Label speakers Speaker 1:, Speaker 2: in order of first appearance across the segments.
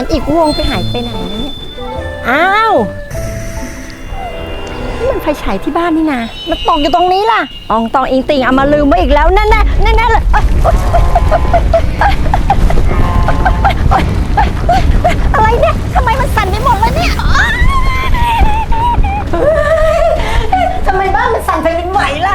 Speaker 1: นอีกวงไปหายไปไหนนะเนี่ยอ้าวนี่มันไฟฉายที่บ้านนี่นะมันตกอยู่ตรงนี้ล่ะอองตองอิงติงเอามาลืมไว้อีกแล้วแน่ๆแน่ๆเลยอะไรเนี่ยทำไมมันสั่นไปหมดเลยเนี่ยทำไมบ้านมันสั่นไปเป็นไหวล่ะ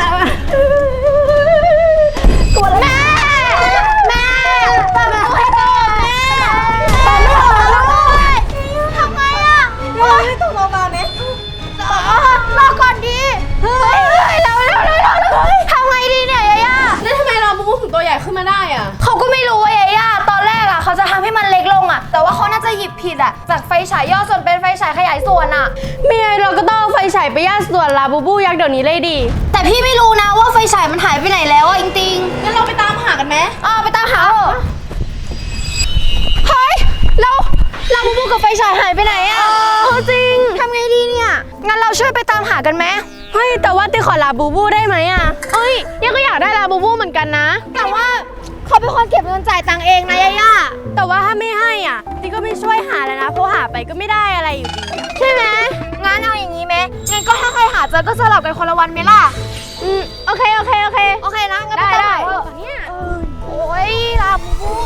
Speaker 1: กลัวแล้วแม่เปิดประตูให้ก่อนแม่เปิดไม่ออกแล้วทำไงอ่ะให้ตกลงมาไหมรอก่อนดีเฮ้ยเราทำไงดีเนี่ยยาย่า
Speaker 2: แล้วทำไมเราบูบูถึงตัวใหญ่ขึ้นมาได้อ่ะ
Speaker 3: เขาก็ไม่รู้ยาย่าตอนแรกอ่ะเขาจะทำให้มันเล็กลงอ่ะแต่ว่าเขาน่าจะหยิบผิดอ่ะจากไฟฉายย่อส่วนเป็นไฟฉายขยายส่วนอ่ะ
Speaker 2: ไม่งั้นเราก็ต้องเอาไฟฉายไปย่าส่วนลาบูบูยักษ์เดี๋ยวนี้เลยดิ
Speaker 3: แต่พี่ไม่รู้นะว่าไฟฉายมันหายไปไหนแล้วอ่ะจริงๆ
Speaker 2: งั้นเราไปตามหากันไหม
Speaker 3: ไปตามหาเถอะเฮ้ยลาบูบูกับไฟฉายหายไปไหนอ่ะจริงทำไงดีเนี่ยงั้นเราช่วยไปตามหากันไหม
Speaker 2: เฮ้ยแต่ว่าติขอลาบูบูได้ไหมอ่ะเอ้ยยังก็อยากได้ลาบูบูเหมือนกันนะ
Speaker 3: แต่ว่าเขาเป็นคนเก็บเงินจ่ายตังค์เองนะย่า
Speaker 2: แต่ว่าถ้าไม่ให้อ่ะติก็ไม่ช่วยหาแล้วนะเพราะหาไปก็ไม่ได้อะไรอยู่ดี
Speaker 3: ใช่ไหมงั้นเอาอย่างนี้ไหมงั้นก็ถ้าใครหาเจอก็สลับกันคนละวันไหมล่ะ
Speaker 2: โอเค
Speaker 3: นะงั้นไปตามหาเถอะเนี่ยโอ้ยลาบูบู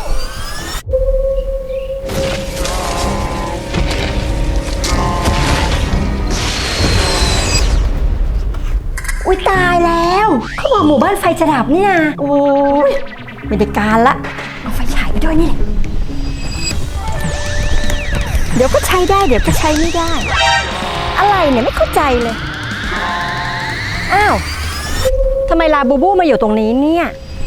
Speaker 1: อุ๊ยตายแล้วเขาบอกหมู่บ้านไฟจะดับนี่นะโอ้ยไม่ได้การละเอาไฟฉายไปด้วยนี่แหละเดี๋ยวก็ใช้ได้เดี๋ยวก็ใช้ไม่ได้อะไรเนี่ยไม่เข้าใจเลยอ้าวทำไมลาบูบูมาอยู่ตรงนี้เนี่ย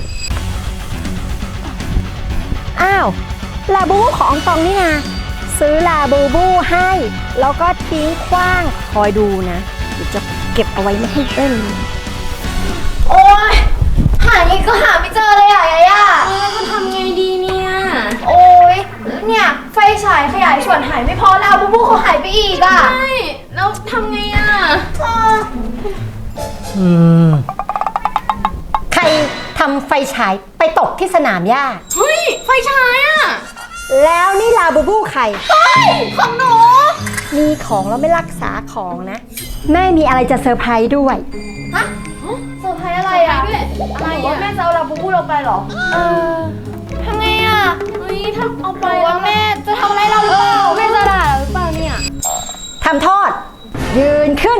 Speaker 1: อ้าวลาบูบูของอองตองนี่นะซื้อลาบูบูให้แล้วก็ทิ้งขว้างคอยดูนะเดี๋ยวจะเก็บเอาไว้ไม่ให้เล่น
Speaker 3: โอ๊ยหาอีกก็หาไม่เจอเลยอ่ะย่า
Speaker 2: จะทำไงดีเนี่ย
Speaker 3: โอ๊ยเนี่ยไฟฉายขยายส่วนหายไม่พอแล้วบูบูเขาหายไปอีกอ่ะ
Speaker 2: ใช่แล้วทำไงอ่ะ
Speaker 1: ใครทำไฟฉายไปตกที่สนามหญ้า
Speaker 2: เฮ้ยไฟฉายอ่ะ
Speaker 1: แล้วนี่ลาบูบูใคร
Speaker 3: ของหนู
Speaker 1: มีของแล้วไม่รักษาของนะแม่มีอะไรจะเซอร์ไพรส์ด้วย
Speaker 3: ฮะเซอร์ไพรส์อะไรอ่ะอะไรว่าแม่จะเอาลาบูบูเราไปหรอทำไงอ่ะ
Speaker 2: เฮ้ยถ้าเอาไป
Speaker 3: ว่าแม่จะทำอะไรเราหรือเปล่า
Speaker 2: แม่จะด่าเราหรือเปล่าเนี่ย
Speaker 1: ทำโทษยืนขึ้น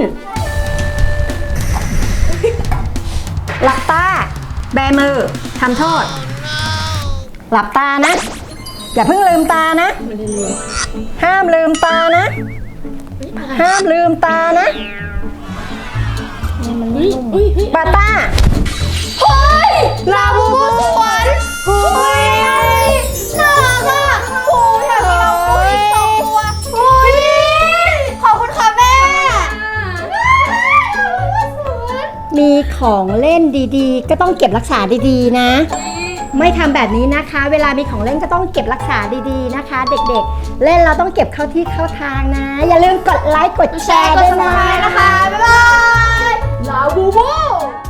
Speaker 1: หลับตาแบมือทำโทษหลับตานะอย่าเพิ่งลืมตานะห้ามลืมตานะห้ามลืมตานะปาต้า
Speaker 3: เฮ้ยลาบูบูสวนเฮ้ยน่ารักอ่ะโอ้ยอยากกินลาบูบูอีก2 ตัวเฮ้ยขอบคุณค่ะแม่
Speaker 1: มีของเล่นดีๆก็ต้องเก็บรักษาดีๆนะไม่ทำแบบนี้นะคะเวลามีของเล่นก็ต้องเก็บรักษาดีๆนะคะเด็กๆเล่นเราต้องเก็บเข้าที่เข้าทางนะอย่าลืมกดไลค์กดแชร์ด้วย
Speaker 3: นะคะบ๊ายบายลาบูบู